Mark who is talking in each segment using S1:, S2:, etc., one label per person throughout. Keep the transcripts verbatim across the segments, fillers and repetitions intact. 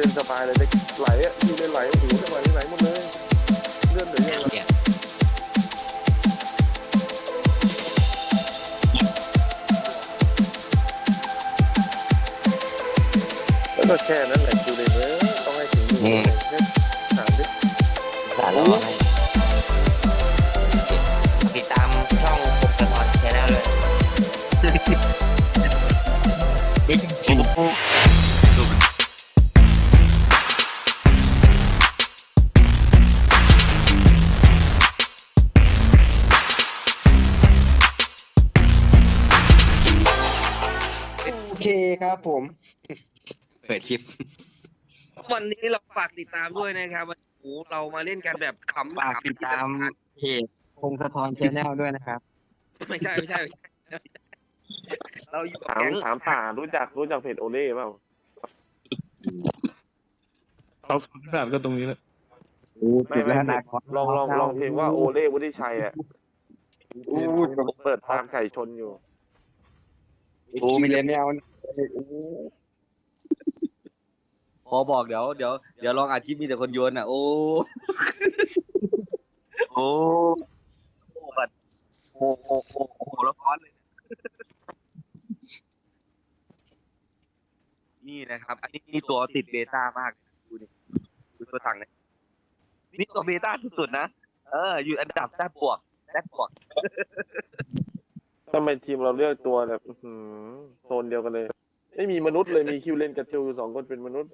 S1: ล่นสบายเลยเด็กไหลอ่ะคิวเล่นไหลโอ้โหจังหวะนี้ไหลหมดเลยเลื่อนเหลือยังไงแล้วก็แค่นั้นแหละคิวเล่นเออต้องให้ถึงมือถามดิ
S2: สารแล้วให้ติดตามช่องผมกระทอนแชนแนลเลยโอเคครับผมเปิดคลิป
S3: วันนี้เราฝากติดตามด้วยนะครับวันโอ้เรามาเล่นกันแบบขำ
S2: ฝากติดตามเพจพงศธรแชนแนลด้วยนะครับ
S3: ไม่ใช่ไม่ใช่เราอยู่
S1: ถามถามป่ารู้จักรู้จักเพจโอเล่เปล่า
S4: เขาถามก็ตรงนี้แหละ
S1: ไม่ไม่ลองลองลองเพลงว่าโอเล่วุฒิชัยอ่ะเปิดตามไก่ชนอยู่
S2: โอ้มีเลนไม่เอา
S3: พอบอกเดี๋ยวเดี๋ยวเดี๋ยวลองอาชีพมีแต่คนโยนอ่ะโอ้โอ้โหแบบโอ้โหโอ้โหแล้วร้อนเลยนี่นะครับอันนี้นี่ตัวติดเบต้ามากดูดิดูตัวถังเนี่ยนี่ตัวเบต้าสุดๆนะเอออยู่อันดับแซ่บบวกแซ่บบวก
S1: ทำไมทีมเราเลือกตัวแบบโซนเดียวกันเลยไม่มีมนุษย์เลยมีคิวเลนกับคิวสองคนเป็นมนุษย์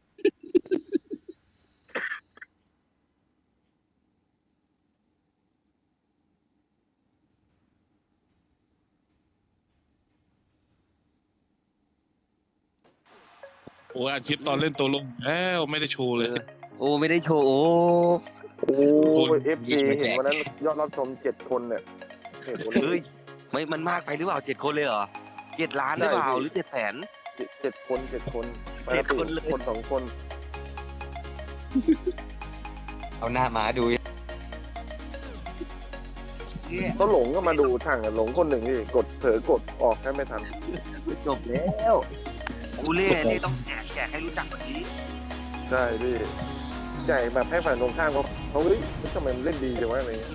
S4: โอ้อาชีพตอนเล่นตัวลงแล้วไม่ได้โชว์เลย
S3: โอ้ไม่ได้โชว์โอ้
S1: โอ้เอฟซีเห็นวันนั้นยอดรับชมเจ็ดคนเนี่ย
S3: เฮ้ยไม่มันมากไปหรือเปล่าเจ็ดคนเลยเหรอเจ็ดล้านหรือเปล่าหรือเจ็ดแสน
S1: เจ็ดคนเจ็ดคน
S3: เจ็ดคนเลย
S1: คนสองคน
S2: เอาหน้ามาดู
S1: ก็หลงก็มาดูทางหลงคนหนึ่งที่กดเผลอกดออกแค่ไม่ทัน
S3: จบแล้วกูเล่นี่ต้องแจกแจกให้รู้จักแบบนี้
S1: ใช่พี่แจกแบบให้ฝ่ายตรงข้ามเขาเขาเฮ้ยทำไมมันเล่นดีจังวะอะไรเงี้ย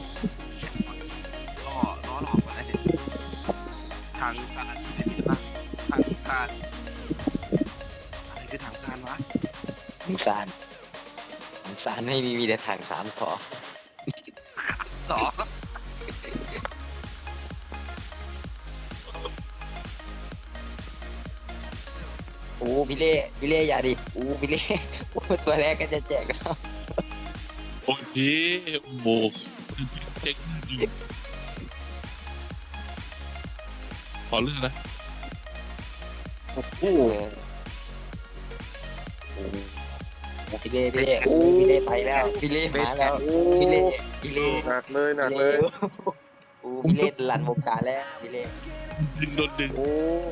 S3: ล้อล้อหลอกมาแล้วทางซานเป็นยังไงบ้างทางซานอะไรคือทางซานวะ
S2: ทางซานทางซานไม่มีมีแต่ทางสามขอ
S3: ต่อ
S2: โอ้พี่เล่พี่เล่อย่าดิโอ้พี่เล่ตัวแรกก็จะแจกแล้ว
S4: โอ้ยพี่โบกเจ๊งขอเรื่องนะ
S2: โอ้โหพี่เล่พี่เล่พี่เล่ไปแล้วพี่เล่มาแล้วพี่เล่พี่เล่
S1: หนักเลยหนักเลย
S2: โอ้พี่เล่หลั่นวงการแล้วพี่เล่
S4: ดึงโดนดึง
S1: โอ้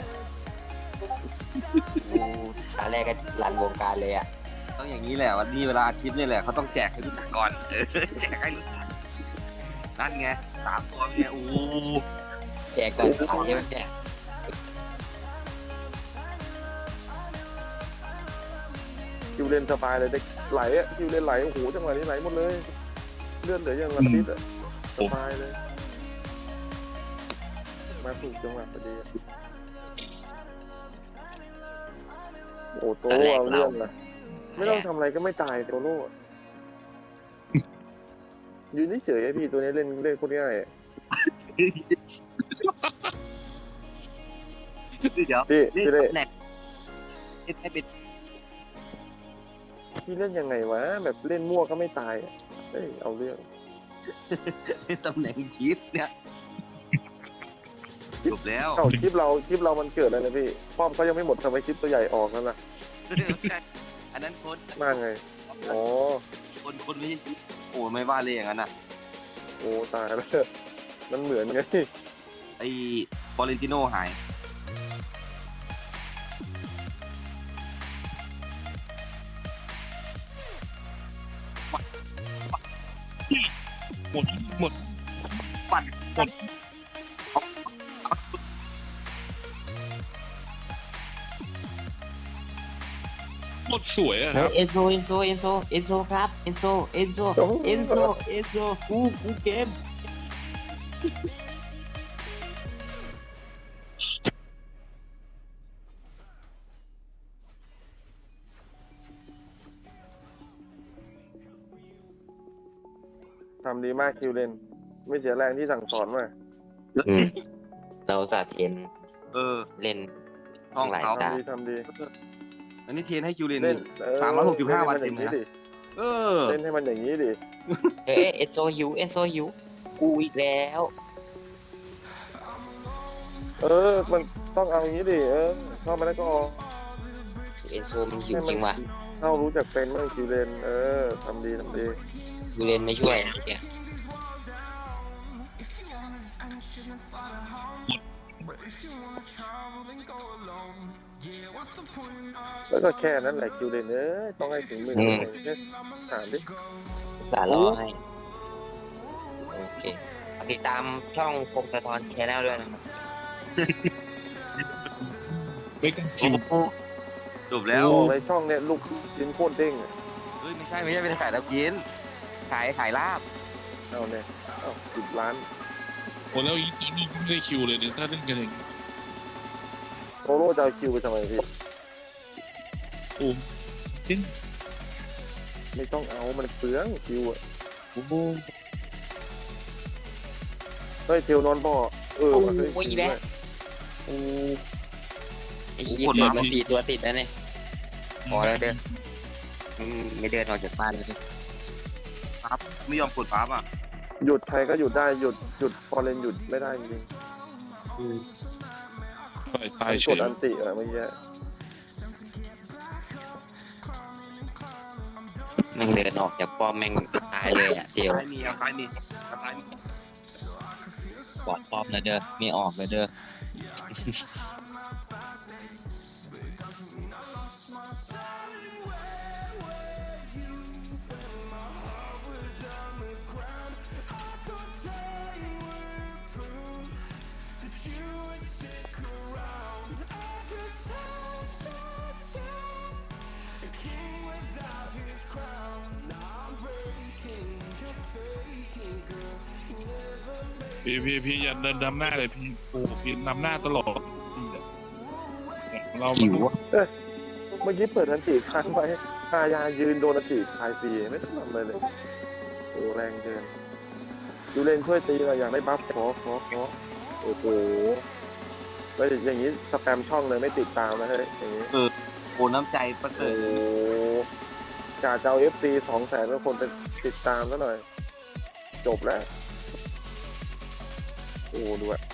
S2: ตาแรกก็รันวงการเลยอ่ะ
S3: ต้องอย่างนี้แหละวันนี้เวลาอาทิตย์นี่แหละเขาต้องแจกให้รู้จักก่อนเออแจกให้รู้จักนั่นไงสามตัวเนี่ยโอ้
S2: แจกก่อนขายใช่ไหมแจก
S1: คิวเล่นสบายเลยเด็กไหลอ่ะคิวเล่นไหลโอ้โหจังหวะนี้ไหลหมดเลยเลื่อนเหลือยังอาทิตย์อ่ะสบายเลยมาถูกจังหวะพอดีโอ้โตโร่เอาเรื่องนะไม่ต้องทำอะไรก็ไม่ตายโตโร่ยืนเฉยๆพี่ตัวนี้เล่นเล่นโคตรง่าย
S3: เดี๋ยว
S1: พี่พี่เล่น
S3: ให้เป็น
S1: พี่เล่นยังไงวะแบบเล่นมั่วก็ไม่ตายเอ้ยเอาเรื่อง
S3: ตำแหน่งคิดเนี่ยจบแล้ว
S1: เข้าคลิปเราคลิปเรามันเกิดอะไรนะพี่ป้อมเขายังไม่หมดทำไมคลิปตัวใหญ่ออกนั่นล่ะ
S3: อันนั้นคน
S1: มากไงอ๋อ
S3: คนคนไม่โอ้ไม่ว่าเลยอย่างนั้นน่ะ
S1: โอ้ตายแล้วมันเหมือนไง
S3: ไอ้ฟอเรนติโน่หาย
S4: หมดหมด
S3: ปั่นหมด
S4: ตรสวยอะค
S2: เฮ้
S4: รั
S2: ย
S4: บ
S2: เอนโซเอนโซเอนโซเอนโซครับเอนโซเอนโซเอนโซเอนโซกูกูเกม
S1: ทำดีมากคิวเลนไม่เสียแรงที่สั่งสอนมา
S2: อืมเราสาเทน
S3: เออ
S2: เล่น
S3: ห้อง
S2: หลาย
S3: เขา
S2: ตา
S1: ทำดีทำดี
S3: อันนี้เทรนให้คิวเลน
S1: เล่นเออ
S3: สามร้อยหกสิบห้าวัน
S1: เล่
S3: เต็
S1: น
S3: ม
S1: ให้
S3: เลย
S1: มันอย่างนี้ดิเล่น
S3: นะเออ
S1: ให้มันอย่างนี้ดิ
S2: เฮ้ยเอนโซหิวเอนโซหิวกูอีกแล้ว
S1: เออ มันต้องเอาอย่างนี้ดิเออเข้ามาแล้วก็ออก
S2: เอนโซมันหิวจริงว่ะ
S1: เข้ารู้จักเป็นเมื่อคิวเลนเออทำดีทำดี
S2: กูเล่นไม่ช่วยเนี่ย
S1: แล้วก็แค่นั้นแหละคิวเลนเออต้องให้ถึงมือแค่ถามดิ
S2: สารรอให้โอเคติดตามช่องพงศธรแชนแนลด้วยนะครับ
S4: ไม่กันคิ
S3: โอ้
S4: ว
S3: โหจบแล้ว
S1: ในช่องเนี่ยลูกชิ้นโคตรเด้งอะ
S3: เฮ้ยไม่ใช่ไม่ใช่เป็นขายแล้วกินขายขายลาบ
S1: เอาเนี่ยเอาสิบล้าน
S4: โอ้แล้วอีกนี่ไม่ได้คิวเลยเนี่ยถ้าเล่นกันอย่างนี้
S1: โตโร่จะเอาคิวไปทำไมพี่
S4: โอ้เล่น
S1: ไม่ต้องเอามันเปลืองคิวอะ
S4: โอ้โห
S1: เฮ้ยเทวนอนบ่อเออว่ะเฮ้ย
S2: โอ้ยแล้วโอ้ไอ้เหี้ย
S3: โอ้โห
S2: เกิดมาสี่ตัวติดแล้วเนี่ยพอแล้วเดินอืมไม่เดินออกจากบ้านเลยดิ
S3: ครับไม่ยอมกดปั๊บอ่ะ
S1: หยุดใครก็หยุดได้หยุดหยุดฟอร์เรนหยุดไม่ได้จริง
S4: ตาย
S1: ๆ
S4: ตาย
S1: มัน
S4: เฉ
S1: กด
S4: ย
S1: อันติอะเมื่อกี้
S2: แม่งเดินออกจากป้อมแม่งตายเลยอ่ะเดี๋ยว
S3: ซ้ายมีเอาซ้ายมีเอาซ้ายมี
S2: ปอดป้อมเลยเด้อไม่ออกเลยเด้อ
S4: พี่พี่พี่อย่าเดินนำหน้าเลยพี่โอ้พี่นำหน้าตลอดเรา
S2: หิวอะ
S1: เมื่อกี้เปิดอันติค้างไว้พายายืนโดนอันติทายฟรีไม่ต้องทำอะไรเลยโอ้แรงเกินดูเลนช่วยตีเราอยากได้บัฟขอขอขอโอ้โหแล้วอย่างนี้สแปมช่องเลยไม่ติดตามนะเฮ้ยอย่างนี้
S3: โอ้น้ำใจประเสริ
S1: โอ้
S3: ฐ
S1: กาจะเอาเอฟซีสองแสนก็คนไปติดตามซะหน่อย จบแล้ว โอ้ดูอะ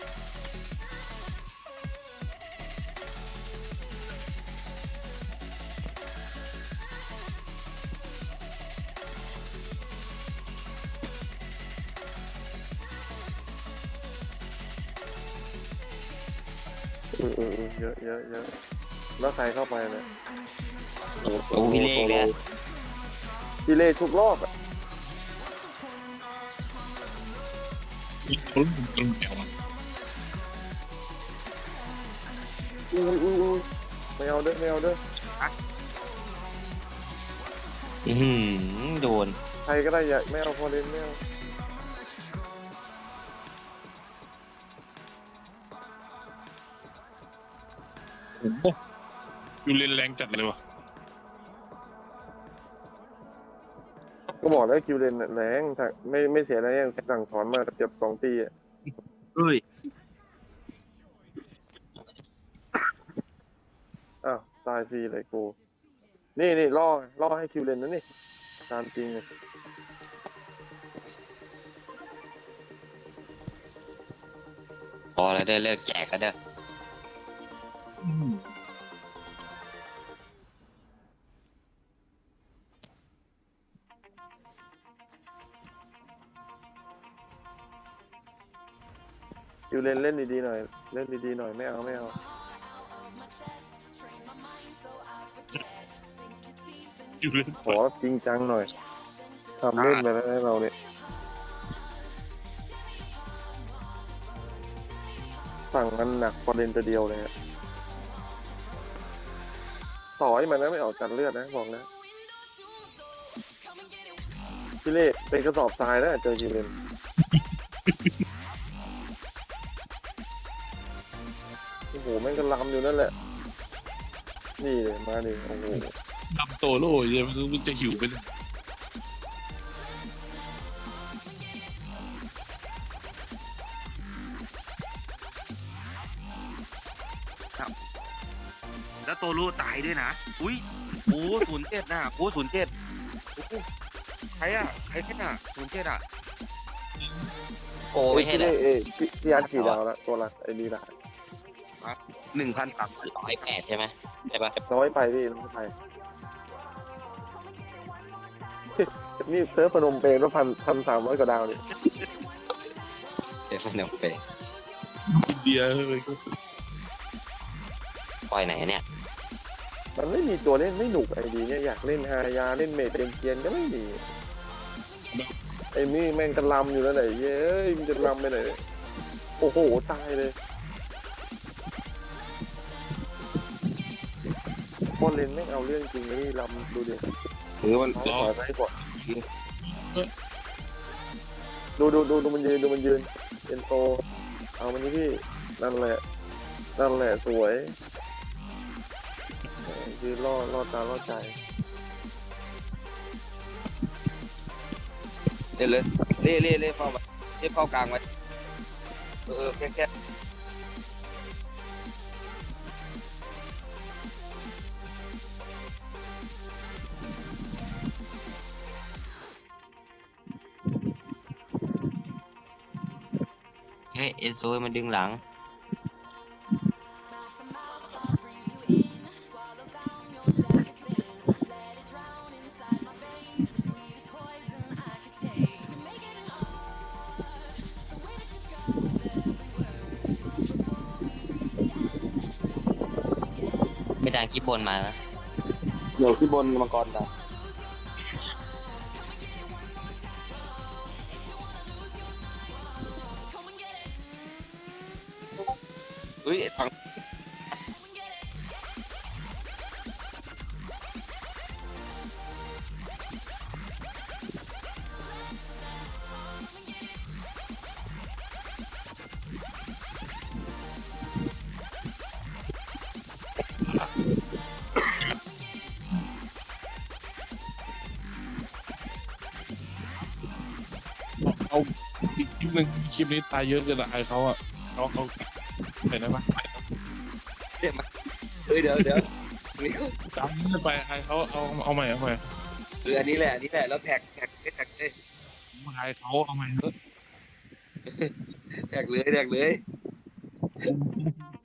S1: อืออืออือเยอะเยอะเยอะแล้วใครเข้าไปเนี่ย
S2: โอ้พี่เล่เลย
S1: พี่เล่ทุกรอบอะ
S4: ลุ้นลุ้นแก้ว
S1: อุ้ยอุ้ยอุ้ยไม่เอาเด้อไม่เอาเด้อ
S2: อือหือโดน
S1: ใครก็ได้อย่าไม่เอาพอเล่นไม่เอา
S4: โอ้โหอยู่เล่นแรงจัดเลยวะ
S1: ก็บอกแล้วคิวเลนน่ะแรงถ้าไม่ไม่เสียแรงยังสั่งสอนมาเจ็บสองตีอะ
S3: เฮ้ย
S1: อ้าวตายฟรีเลยกูนี่นี่ล่อล่อให้คิวเลนนะนี่ตามจริงเลย
S2: พอแล้วเด้อเลิกแจกแล้วเด้อ
S1: คิวเลนเล่นดีๆหน่อยเล่นดีๆหน่อยไม่เอาไม่เอา
S4: อยู่เล่น
S1: ขอจริงจังหน่อยทำเล่นไปแล้วให้เราเนี่ยสั่งมันหนักพอเล่นตัวเดียวเลยอะต่อยมันนะไม่ออกกันเลือดนะบอกนะพี่เล่เป็นกระสอบทรายนะเจอกิเลนโอ้โหแม่งก็ลำอยู่นั่นแหละนี่เลยมาดิโอ้โห
S4: ดำโตโล่ยมันมันจะหิวไปเลย
S3: แล้วโตโร่ตายด้วยนะอุ้ยโอ้ศูนย์เจ็ดน่ะโอ้ศูนย์เจ็ดใครอ่ะใครแค่น่ะศูนย์เจ็ดอ่ะ
S2: โกไม่ใช่
S1: พี่
S2: เหร
S1: เล่
S2: อ
S1: เอ้ยพี่พี่อาร์ตกี่ดาวละตัวละไอ้นี่ละ
S3: หนึ่งพันสาม
S2: ร้อยแปดใช่ไหมใช่ปะ
S1: น้อยไปพี่น้อยไป นี่เซิร์ฟพนมเปญว่าพันพันสามร้อยกว่าดาวนี่
S2: เดี๋ยวมันเอาไป
S4: อินเดียเลย
S2: ปล่อยไหนเนี่ย
S1: มันไม่มีตัวเล่นไม่หนุกไอดีเนี่ยอยากเล่นฮายาเล่นเมดเอ็มเกียนก็ไม่มีไอ้นี่แม่งกระลำอยู่แล้วไหนเย้ยมันจะลำไปไหนโอ้โหตายเลยบอลเลนไม่งเอาเรื่องจริงเลยลำดูดิ
S3: หรือมัน
S1: ขอใช้ก่อนดูดูดูดูมันยืนดูมันยืนเอ็นโตเอามันนี่พี่นั่นแหละนั่นแหละสวยยืนล่อล่อตาล่อใจ
S3: เล่นเลยเล่เล่เล่เข้ามาเล่เข้ากลางไว้เออแค่แค่
S2: เฮ้ยเอ็นโซมันดึงหลัง ไม่ดังคิดบนมานะ
S3: เดี๋ยวขึ้นบนมังกรดาวเฮ้ยถัง
S4: เอาอีกคลิปหนึ่งคลิปนี้ตายเยอะเกินละไอเขาอ่ะเอาเอาไปได้ปะ
S3: เดี๋ยวมาเฮ้ยเดี๋ยวเดี๋ยวนี่ก็
S4: จำไม่ไปไอเขาเอาเอาใหม่เอาใหม่
S3: คืออันนี้แหละอันนี้แหละแล้วแท็กแท็กแท็กเลย
S4: ไอเขาเอาใหม่เถอะ
S3: แท็กเลยแท็กเลย
S4: เ